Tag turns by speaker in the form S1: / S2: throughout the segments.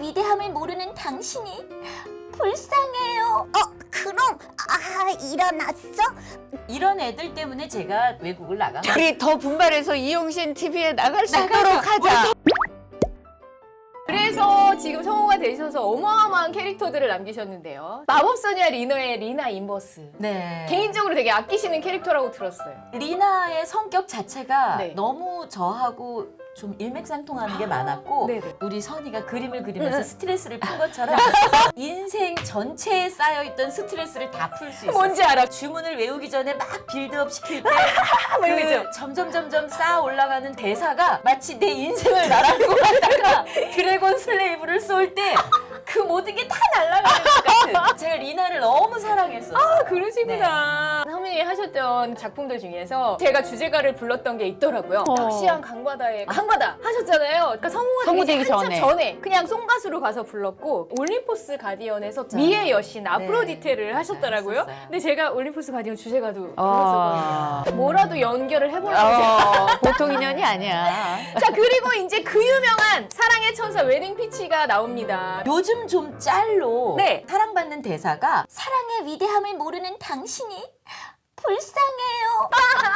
S1: 위대함을 모르는 당신이 불쌍해요. 그럼 일어났어?
S2: 이런 애들 때문에 제가 외국을 나간 거예요.
S3: 우리 더 분발해서 이용신 TV에 나갈 수 있도록 하자.
S4: 그래서 지금 성우가 되셔서 어마어마한 캐릭터들을 남기셨는데요. 마법소녀 리너의 리나 인버스.
S2: 네.
S4: 개인적으로 되게 아끼시는 캐릭터라고 들었어요.
S2: 리나의 성격 자체가
S4: 네.
S2: 너무 저하고 좀 일맥상통하는 게 많았고
S4: 네네.
S2: 우리 선이가 그림을 그리면서 스트레스를 푼 것처럼 인생 전체에 쌓여있던 스트레스를 다 풀 수 있어요.
S4: 뭔지 알아.
S2: 주문을 외우기 전에 막 빌드업 시킬 때
S4: 뭐 이런 거 있죠?
S2: 점점 쌓아 올라가는 대사가 마치 내 인생을 날아가고 갔다가 드래곤 슬레이브를 쏠 때 그 모든 게 다 날아가는 것 같은. 제가 리나를 너무 사랑했었어요.
S4: 그러시구나. 선배님이 하셨던 작품들 중에서 제가 주제가를 불렀던 게 있더라고요. 낚시한 강바다에 강바다 하셨잖아요. 그러니까
S3: 성우 되기
S4: 한참
S3: 전에.
S4: 그냥 송가수로 가서 불렀고 올림포스 가디언에서 미의 여신 아프로디테를 하셨더라고요.
S2: 잘했었어요.
S4: 근데 제가 올림포스 가디언 주제가도
S3: 아.
S4: 불렀었거든요. 뭐라도 연결을 해보려고
S3: 보통 인연이 아니야.
S4: 자, 그리고 이제 그 유명한 사랑의 천사 웨딩 피치가 나옵니다.
S2: 요즘 좀 짤로
S4: 네.
S2: 사랑받는 대사가
S1: 사랑의 위대함을 모르는 당신이 불쌍해요.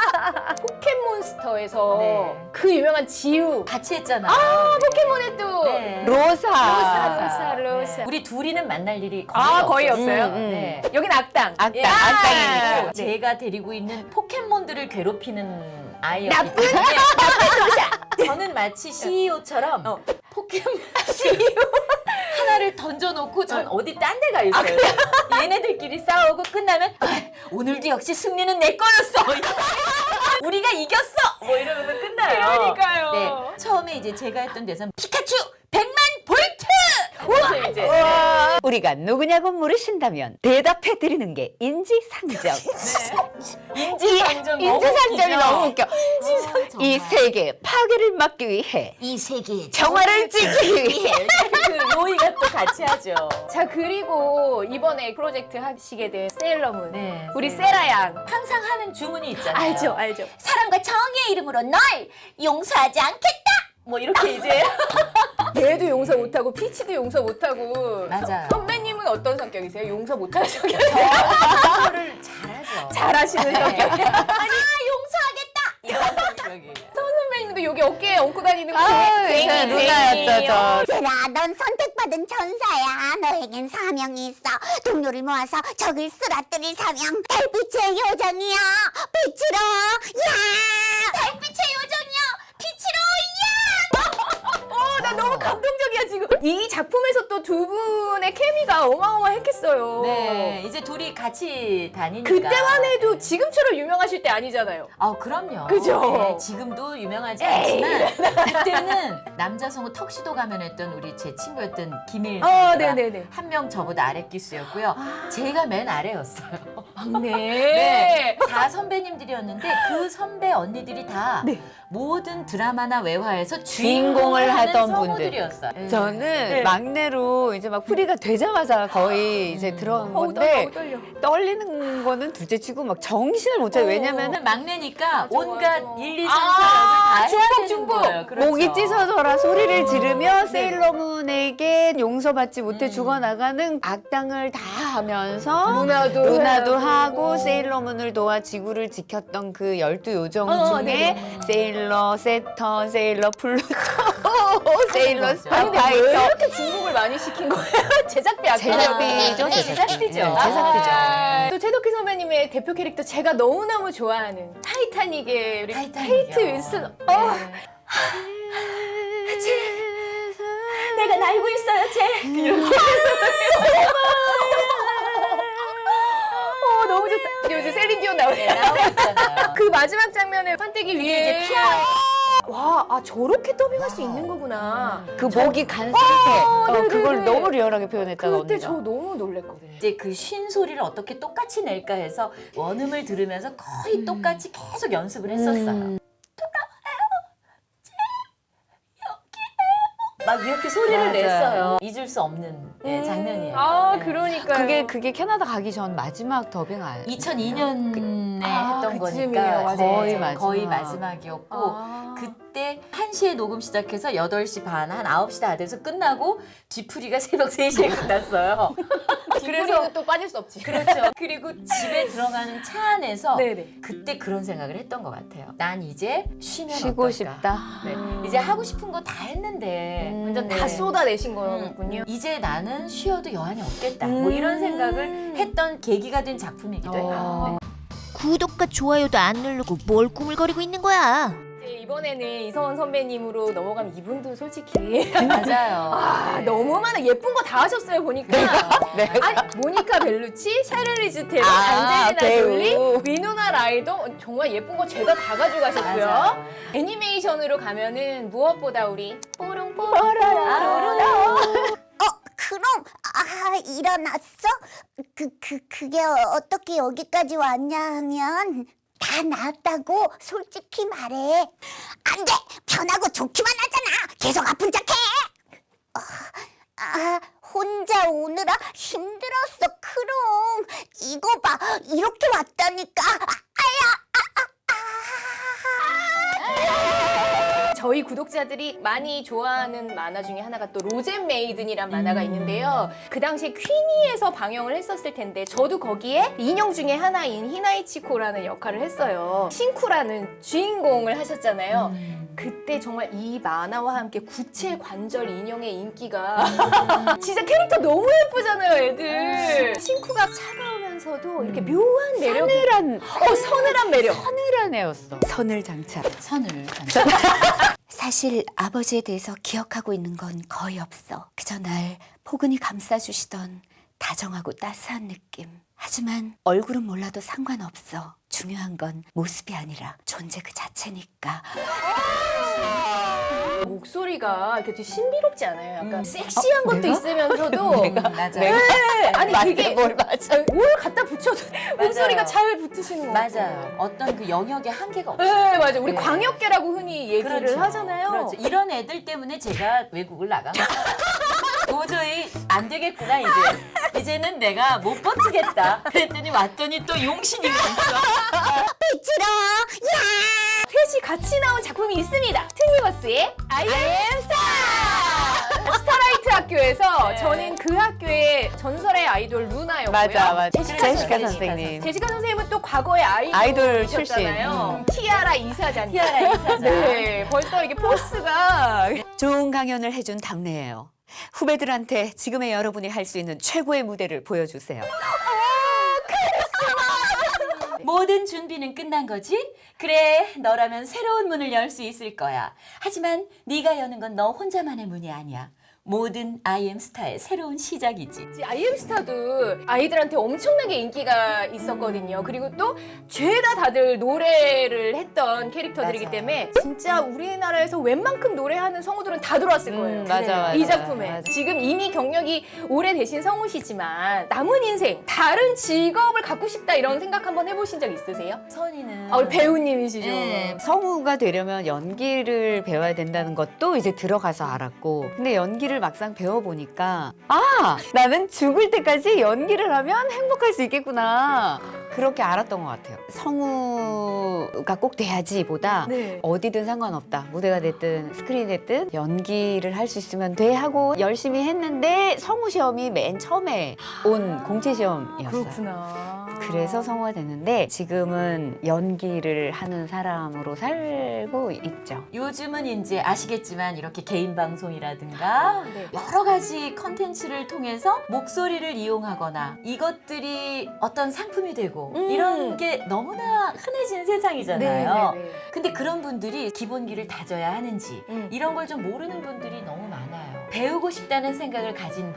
S4: 포켓몬스터에서
S2: 네.
S4: 그 유명한 지우
S2: 같이 했잖아요.
S4: 포켓몬의 또
S2: 네.
S4: 로사.
S2: 네. 우리 둘이는 만날 일이 거의
S4: 거의
S2: 없었어요.
S4: 없어요?
S2: 네.
S4: 여긴 악당.
S3: 악당,
S4: 야!
S3: 악당이니까.
S2: 제가 데리고 있는 포켓몬들을 괴롭히는 아이였기
S4: 나쁜
S2: 때문에 저는 마치 CEO처럼 포켓몬 CEO 하나를 던져놓고 전 어디 딴 데 가 있어요. 얘네들끼리 싸우고 끝나면 오늘도 역시 승리는 내 거였어. 우리가 이겼어. 뭐 이러면서 끝나요.
S4: 그러니까요.
S2: 네, 처음에 이제 제가 했던 대사는 피카츄 100만 볼트. 그래서 이제
S3: 우리가 누구냐고 물으신다면 대답해드리는 게 인지상정.
S2: 인지상정
S3: 인지상정이 너무 웃겨. 이
S2: 정말.
S3: 세계 파괴를 막기 위해
S1: 이 세계의
S3: 정화를 찍기 위해
S2: 그 로이가 또 같이 하죠.
S4: 자, 그리고 이번에 프로젝트 하시게 된 세일러문.
S2: 네,
S4: 우리
S2: 세일러.
S4: 세라 양.
S2: 항상 하는 주문이 있잖아요.
S4: 알죠.
S1: 사랑과 정의의 이름으로 널 용서하지 않겠다.
S2: 뭐 이렇게 이제
S4: 얘도 용서 못하고 피치도 용서 못하고.
S2: 맞아요.
S4: 선배님은 어떤 성격이세요? 용서 못하는 성격.
S2: 저를 잘하죠.
S4: 잘하시는 성격.
S1: 용서하겠다.
S2: 이런 성격이에요.
S4: 선배님도 여기 어깨에 얹고 다니는 거.
S3: 제 누나였죠 저.
S1: 얘들아, 넌 선택받은 천사야. 너에겐 사명이 있어. 동료를 모아서 적을 쓰러뜨릴 사명. 달빛의 요정이야. 빛으로 야. 달빛의 요정이야. 빛으로
S4: 나 너무 감동적이야 지금. 이 작품에서 또 두 분의 케미가 어마어마했겠어요.
S2: 네, 이제 둘이 같이 다니니까.
S4: 그때만 해도 지금처럼 유명하실 때 아니잖아요.
S2: 아, 그럼요.
S4: 그죠?
S2: 네, 지금도 유명하지 않지만 그때는 남자 성우 턱시도 가면했던 우리 제 친구였던 김일 선수가
S4: 네네네.
S2: 한 명 저보다 아래 기수였고요. 제가 맨 아래였어요.
S4: 막내.
S2: 다 선배님들이었는데 그 선배 언니들이 다 모든 드라마나 외화에서
S3: 주인공을 하던 분들.
S2: 성우들이었어요. 네.
S3: 저는 막내로 이제 막 프리가 되자마자 거의 이제 들어간 건데
S4: 떨려.
S3: 떨리는 거는 둘째치고 막 정신을 못 차려. 왜냐면은
S2: 저는 막내니까 온갖
S4: 맞아.
S2: 1, 2, 3, 4 역을 다 해야 되는
S4: 중복.
S2: 거예요. 그렇죠.
S3: 목이 찢어져라 소리를 지르며 세일러문에게 용서받지 못해 죽어나가는 악당을 다 하면서 루나도 하고 세일러문을 도와 지구를 지켰던 그 12요정 중에 세일러 세턴, 세일러 플루토, 세일러
S4: 아니 근데 왜
S3: 스파이더.
S4: 이렇게 중복을 많이 시킨 거예요? 제작비 아끼죠.
S3: 제작비죠,
S2: 제작비죠.
S3: 제작비죠.
S4: 또 최덕희 선배님의 대표 캐릭터 제가 너무너무 좋아하는 타이타닉의 우리 케이트 윈슬.
S2: 내가 날고 있어요, 쟤.
S4: 너무 좋다. 요즘 셀린 디온 나오네요.
S2: 나오잖아요.
S4: 그 마지막 장면에 판때기 위에
S2: 이제 피아.
S4: 와, 저렇게 더빙할 수 있는 거구나.
S3: 그 목이 간 상태.
S4: 네네네.
S3: 그걸 너무 리얼하게 표현했다가
S4: 그때
S3: 언니가.
S4: 저 너무 놀랬거든요.
S2: 이제 그 쉰 소리를 어떻게 똑같이 낼까 해서 원음을 들으면서 거의 똑같이 계속 연습을 했었어요. 돌아와요. 쟤 여기에요. 막 막 이렇게 소리를
S3: 맞아요.
S2: 냈어요. 잊을 수 없는 장면이에요.
S4: 아,
S2: 네.
S4: 그러니까요.
S3: 그게 캐나다 가기 전 마지막 더빙 아니에요?
S2: 2002년에 했던
S4: 그쯤이에요.
S2: 거니까
S4: 맞아요.
S2: 거의
S3: 마지막.
S2: 마지막이었고
S4: 아.
S2: 그때 1시에 녹음 시작해서 8시 반, 한 9시 다 돼서 끝나고 뒤풀이가 새벽 3시에 끝났어요.
S4: 그래서 또 빠질 수 없지.
S2: 그렇죠. 그리고 집에 들어가는 차 안에서
S4: 네네.
S2: 그때 그런 생각을 했던 것 같아요. 난 이제 쉬면
S3: 쉬고
S2: 어떨까?
S3: 싶다.
S2: 네. 이제 하고 싶은 거 다 했는데
S4: 완전
S2: 네.
S4: 다 쏟아내신 거군요.
S2: 이제 나는 쉬어도 여한이 없겠다. 뭐 이런 생각을 했던 계기가 된 작품이기도 해요.
S5: 구독과 좋아요도 안 누르고 뭘 꾸물거리고 있는 거야?
S4: 이제 이번에는 이성원 선배님으로 넘어가면 이분도 솔직히
S2: 맞아요.
S4: 아,
S2: 네.
S4: 너무 많아. 예쁜 거 다 하셨어요, 보니까. 아니, 모니카 벨루치, 샤를리즈 테론, 안젤리나
S3: 배우.
S4: 졸리, 위노나 라이더 정말 예쁜 거 죄다 다 가져가셨고요.
S2: 맞아요.
S4: 애니메이션으로 가면은 무엇보다 우리 뽀롱뽀롱
S1: 그럼 일어났어? 그게 어떻게 여기까지 왔냐 하면 다 나았다고 솔직히 말해. 안 돼! 편하고 좋기만 하잖아. 계속 아픈 척해. 혼자 오느라 힘들었어. 크롱. 이거 봐. 이렇게 왔다니까.
S4: 저희 구독자들이 많이 좋아하는 만화 중에 하나가 또 로젠 메이든이란 만화가 있는데요. 그 당시에 퀸이에서 방영을 했었을 텐데 저도 거기에 인형 중에 하나인 히나이치코라는 역할을 했어요. 신쿠라는 주인공을 하셨잖아요. 그때 정말 이 만화와 함께 구체 관절 인형의 인기가 진짜 캐릭터 너무 예쁘잖아요, 애들. 신쿠가 차가우면서도 이렇게 묘한 매력. 서늘한 매력.
S3: 서늘한 애였어. 선을 장착.
S2: 선을
S1: 사실 아버지에 대해서 기억하고 있는 건 거의 없어. 그저 날 포근히 감싸주시던 다정하고 따스한 느낌. 하지만 얼굴은 몰라도 상관없어. 중요한 건 모습이 아니라 존재 그 자체니까.
S4: 목소리가 이렇게 되게 신비롭지 않아요? 약간 섹시한 것도 있으면서도
S2: 맞아요.
S4: 네, 아니 되게
S3: 뭘 맞아.
S4: 뭘 갖다 붙여도 목소리가 잘 붙으시는 것 같아요.
S2: 맞아요. 어떤 그 영역의 한계가 없어요.
S4: 네, 맞아요. 우리
S2: 네.
S4: 광역계라고 흔히 얘기를
S2: 그렇죠.
S4: 하잖아요.
S2: 그렇죠. 이런 애들 때문에 제가 외국을 나간 거예요. 도저히 안 되겠구나 이제. 이제는 내가 못 버티겠다. 그랬더니 왔더니 또 용신이 있어.
S1: 비치로 야!
S4: 셋이 같이 나온 작품이 있습니다. 트니버스의 I am Star! 스타라이트 학교에서
S2: 네.
S4: 저는 그 학교의 전설의 아이돌 루나였고요.
S3: 맞아.
S2: 제시카
S3: 선생님.
S4: 제시카 선생님은 또 과거의
S3: 아이돌
S4: 아이돌이셨잖아요. 티아라 이사장.
S2: 티아라 이사장.
S4: 네, 벌써 이게 포스가
S3: 좋은 강연을 해준 답례예요. 후배들한테 지금의 여러분이 할 수 있는 최고의 무대를 보여주세요.
S2: 모든 준비는 끝난 거지? 그래, 너라면 새로운 문을 열 수 있을 거야. 하지만 네가 여는 건 너 혼자만의 문이 아니야. 모든 아이엠스타의 새로운 시작이지.
S4: 아이엠스타도 아이들한테 엄청나게 인기가 있었거든요. 그리고 또 죄다 다들 노래를 했던 캐릭터들이기
S2: 맞아요.
S4: 때문에 진짜 우리나라에서 웬만큼 노래하는 성우들은 다 들어왔을 거예요.
S3: 맞아.
S4: 이 작품에.
S3: 맞아.
S4: 지금 이미 경력이 오래되신 성우시지만 남은 인생 다른 직업을 갖고 싶다 이런 생각 한번 해보신 적 있으세요?
S2: 선이는
S4: 우리 배우님이시죠.
S2: 네.
S3: 성우가 되려면 연기를 배워야 된다는 것도 이제 들어가서 알았고, 근데 연기를 막상 배워보니까 나는 죽을 때까지 연기를 하면 행복할 수 있겠구나, 그렇게 알았던 것 같아요. 성우가 꼭 돼야지 보다
S4: 네.
S3: 어디든 상관없다, 무대가 됐든 스크린이 됐든 연기를 할 수 있으면 돼 하고 열심히 했는데 성우 시험이 맨 처음에 온 공채 시험이었어요.
S4: 그렇구나.
S3: 그래서 성우가 됐는데 지금은 연기를 하는 사람으로 살고 있죠.
S2: 요즘은 이제 아시겠지만 이렇게 개인 방송이라든가
S4: 네.
S2: 여러 가지 컨텐츠를 통해서 목소리를 이용하거나 이것들이 어떤 상품이 되고 이런 게 너무나 흔해진 세상이잖아요.
S4: 네.
S2: 근데 그런 분들이 기본기를 다져야 하는지 이런 걸 좀 모르는 분들이 너무 많아요. 배우고 싶다는 생각을 가진 분들,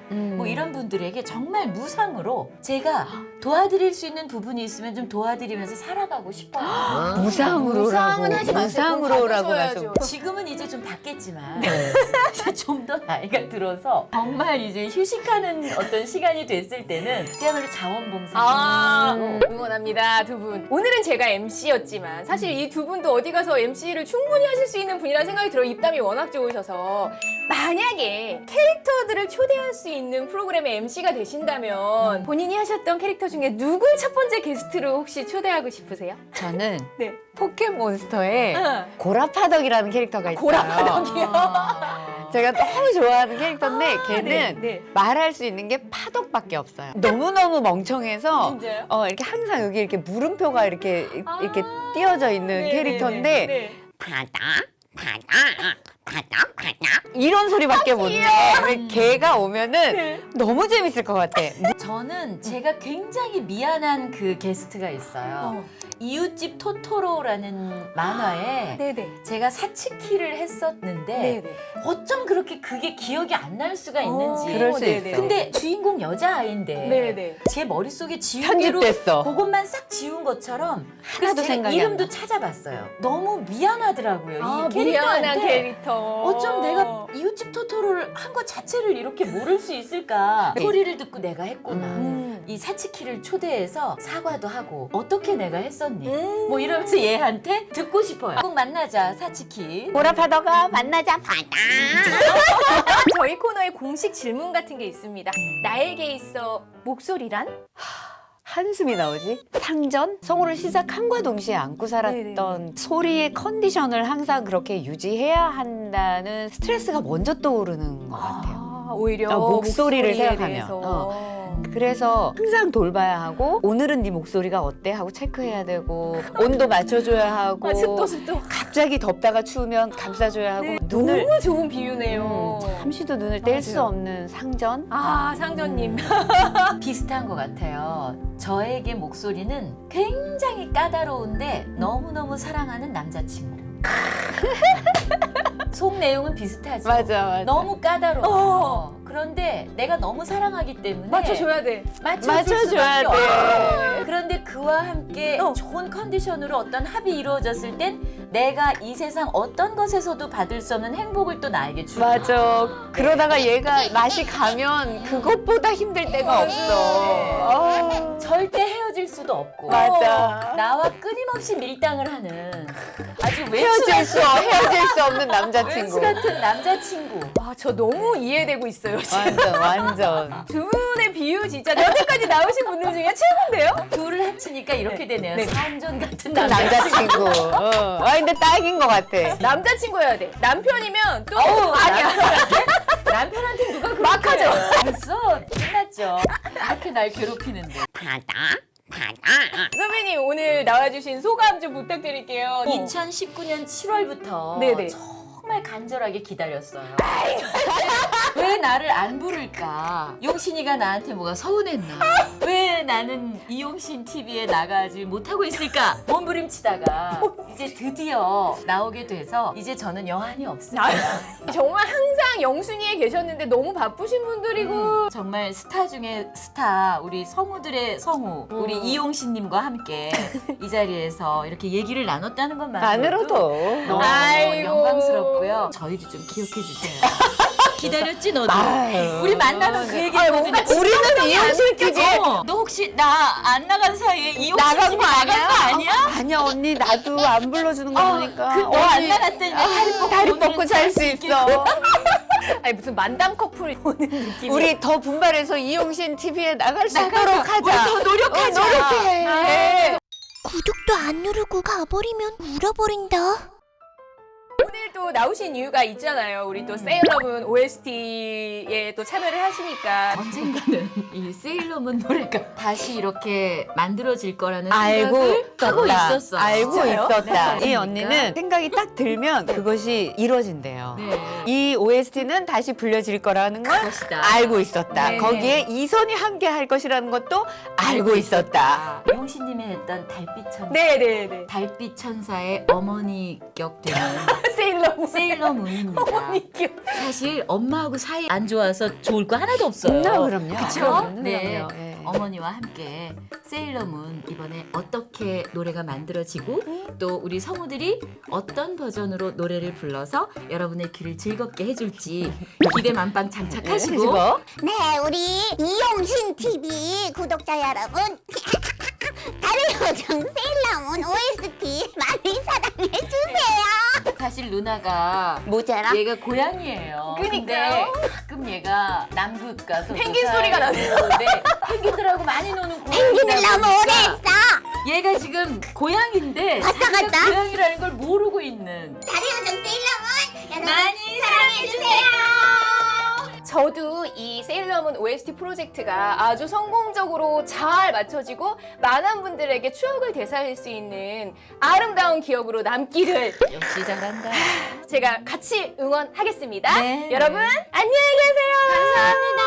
S2: 뭐 이런 분들에게 정말 무상으로 제가 도와드릴 수 있는 부분이 있으면 좀 도와드리면서 살아가고 싶어요.
S3: 무상으로라고.
S4: 무상은 하지 마세요.
S3: 무상으로라고
S4: 그건
S3: 말씀.
S4: 받으셔야죠.
S2: 지금은 이제 좀 바뀌었지만 이제 좀 더 나이가 들어서 정말 이제 휴식하는 어떤 시간이 됐을 때는 그야말로 자원봉사.
S4: 응원합니다, 두 분. 오늘은 제가 MC였지만 사실 이 두 분도 어디 가서 MC를 충분히 하실 수 있는 분이라는 생각이 들어요. 입담이 워낙 좋으셔서. 만약에 캐릭터들을 초대할 수 있는 프로그램의 MC가 되신다면 본인이 하셨던 캐릭터 중에 누굴 첫 번째 게스트로 혹시 초대하고 싶으세요?
S3: 저는
S4: 네.
S3: 포켓몬스터에
S4: 응.
S3: 고라파덕이라는 캐릭터가 있어요.
S4: 고라파덕이요?
S3: 제가 너무 좋아하는 캐릭터인데 걔는
S4: 네.
S3: 말할 수 있는 게 파덕밖에 없어요. 너무너무 멍청해서
S4: 진짜요?
S3: 이렇게 항상 여기 이렇게 물음표가 이렇게 띄어져 있는
S4: 네,
S3: 캐릭터인데
S4: 네.
S3: 이런 소리밖에 못 내. 걔가 오면은
S4: 네.
S3: 너무 재밌을 것 같아.
S2: 저는 제가 굉장히 미안한 그 게스트가 있어요. 이웃집 토토로라는 만화에
S4: 네네.
S2: 제가 사츠키를 했었는데
S4: 네네.
S2: 어쩜 그렇게 그게 기억이 안 날 수가 있는지.
S3: 그럴 수
S4: 네네.
S3: 있어.
S2: 근데 주인공 여자아이인데
S4: 네네.
S2: 제 머릿속에 지우개로
S3: 편집됐어.
S2: 그것만 싹 지운 것처럼 그래서
S3: 하나도
S2: 제가
S3: 생각이
S2: 이름도
S3: 안 나.
S2: 찾아봤어요. 너무 미안하더라고요. 이
S4: 미안한
S2: 캐릭터한테
S4: 캐릭터.
S2: 어쩜 내가 이웃집 토토로를 한 것 자체를 이렇게 모를 수 있을까. 소리를 듣고 내가 했구나. 이 사츠키를 초대해서 사과도 하고 어떻게 내가 했었니? 뭐 이러면서 얘한테 듣고 싶어요. 꼭 만나자 사츠키.
S3: 고라파덕아 만나자 파다.
S4: 저희 코너에 공식 질문 같은 게 있습니다. 나에게 있어 목소리란?
S3: 한숨이 나오지? 상전? 성우를 시작함과 동시에 안고 살았던 소리의 컨디션을 항상 그렇게 유지해야 한다는 스트레스가 먼저 떠오르는 것 같아요.
S4: 오히려
S3: 목소리를
S4: 목소리에
S3: 생각하면.
S4: 대해서.
S3: 그래서 항상 돌봐야 하고 오늘은 네 목소리가 어때? 하고 체크해야 되고 온도 맞춰줘야 하고
S4: 습도.
S3: 갑자기 덥다가 추우면 감싸줘야 하고 눈을
S4: 너무 좋은 비유네요.
S3: 잠시도 눈을 뗄 수 없는 상전?
S4: 상전님.
S2: 비슷한 것 같아요. 저에게 목소리는 굉장히 까다로운데 너무너무 사랑하는 남자친구. 속 내용은 비슷하죠.
S3: 맞아.
S2: 너무 까다로워. 그런데 내가 너무 사랑하기 때문에
S4: 맞춰줘야 돼.
S3: 맞춰줘야 돼.
S2: 그런데 그와 함께 좋은 컨디션으로 어떤 합이 이루어졌을 땐 내가 이 세상 어떤 것에서도 받을 수 없는 행복을 또 나에게 주고.
S3: 맞아. 그러다가 얘가 맛이 가면 그것보다 힘들 때가 없어.
S2: 절대 헤어질 수도 없고.
S3: 맞아.
S2: 나와 끊임없이 밀당을 하는 아주
S3: 헤어질 수 없는
S2: 왼수
S3: 남자친구.
S2: 같은 남자친구.
S4: 저 너무 이해되고 있어요. 지금.
S3: 완전.
S4: 두 분의 비유 진짜 여태까지 나오신 분들 중에 최고인데요?
S2: 둘을 합치니까 이렇게 되네요.
S4: 네.
S2: 산전 같은
S3: 남자친구. 근데 딱인 것 같아.
S4: 남자친구여야 돼. 남편이면 또
S2: 아니야. 남편한테 누가 그렇게
S4: 막하죠.
S2: 됐어. 끝났죠. 이렇게 날 괴롭히는데.
S4: 선배님 오늘 나와주신 소감 좀 부탁드릴게요.
S2: 2019년 7월부터
S4: 네네.
S2: 정말 간절하게 기다렸어요. 왜 나를 안 부를까? 용신이가 나한테 뭐가 서운했나? 왜 나는 이용신 TV에 나가지 못하고 있을까? 몸부림치다가 이제 드디어 나오게 돼서 이제 저는 여한이 없어요.
S4: 정말 항상 영순이에 계셨는데 너무 바쁘신 분들이고
S2: 정말 스타 중에 스타, 우리 성우들의 성우, 우리 이용신님과 함께 이 자리에서 이렇게 얘기를 나눴다는 것만으로도
S3: 안으로도.
S2: 너무
S4: 아이고.
S2: 영광스럽고요. 저희도 좀 기억해 주세요. 기다렸지 너도?
S3: 아유.
S2: 우리 만나면 그 얘기했거든요.
S3: 우리는 이용실 TV에
S2: 너 혹시 나 안 나간 사이에 이용신
S3: 나간
S2: TV
S3: 거
S2: 나간
S3: 아니야?
S2: 거 아니야?
S3: 아니야 언니 나도 안 불러주는 거 보니까.
S2: 너안 나갔더니
S3: 다리 뻗고 잘 수 있어.
S4: 아니 무슨 만담 커플 보는 느낌이
S3: 우리 더 분발해서 이용신 TV에 나갈 수 있도록 하자.
S2: 우리 더 노력하자.
S3: 노력해.
S5: 구독도 안 누르고 가버리면 울어버린다.
S4: 오늘 또 나오신 이유가 있잖아요. 우리 또 세일러문 OST에 또 참여를 하시니까
S2: 언젠가는 이 세일러문 노래가 다시 이렇게 만들어질 거라는
S3: 알고
S2: 생각을 하고 있었어.
S3: 알고
S2: 진짜요?
S3: 있었다.
S2: 네.
S3: 이 언니는 생각이 딱 들면 그것이 이루어진대요.
S2: 네.
S3: 이 OST는 다시 불려질 거라는 걸
S2: 그것이다.
S3: 알고 있었다.
S4: 네.
S3: 거기에 이선이 함께 할 것이라는 것도 알고 있었다.
S2: 용신 조우신님이 했던 달빛 천사.
S4: 네네네.
S2: 달빛 천사의 어머니 격 되는
S4: 세일러문.
S2: 세일러문입니다.
S4: 어머니교.
S2: 사실 엄마하고 사이 안 좋아서 좋을 거 하나도 없어요.
S3: 그럼요.
S2: 그쵸? 네.
S3: 그럼요. 예.
S2: 어머니와 함께 세일러문 이번에 어떻게 노래가 만들어지고 또 우리 성우들이 어떤 버전으로 노래를 불러서 여러분의 귀를 즐겁게 해줄지 기대 만빵 장착하시고
S1: 네, 우리 이용신 TV 구독자 여러분, 달의 요정 세일러문 OST 많이 사랑해 주세요.
S2: 사실 누나가
S1: 모자라?
S2: 얘가 고양이에요.
S4: 그니까요.
S2: 근데 가끔 얘가 남극 가서
S4: 펭귄 소리가 나네요.
S2: 네, 펭귄들하고 많이 노는
S1: 펭귄을
S2: 고양이다
S1: 너무 오래
S2: 보니까
S1: 했어.
S2: 얘가 지금 고양인데
S1: 갔다
S2: 자기가
S1: 갔다?
S2: 고양이라는 걸 모르고 있는.
S1: 달의 요정 세일러문 여러분 많이 사랑해 주세요.
S4: 저도 이 세일러문 OST 프로젝트가 아주 성공적으로 잘 맞춰지고 많은 분들에게 추억을 되살릴 수 있는 아름다운 기억으로 남기를
S2: 역시 잘한다.
S4: 제가 같이 응원하겠습니다.
S2: 네.
S4: 여러분 안녕히 계세요.
S2: 감사합니다.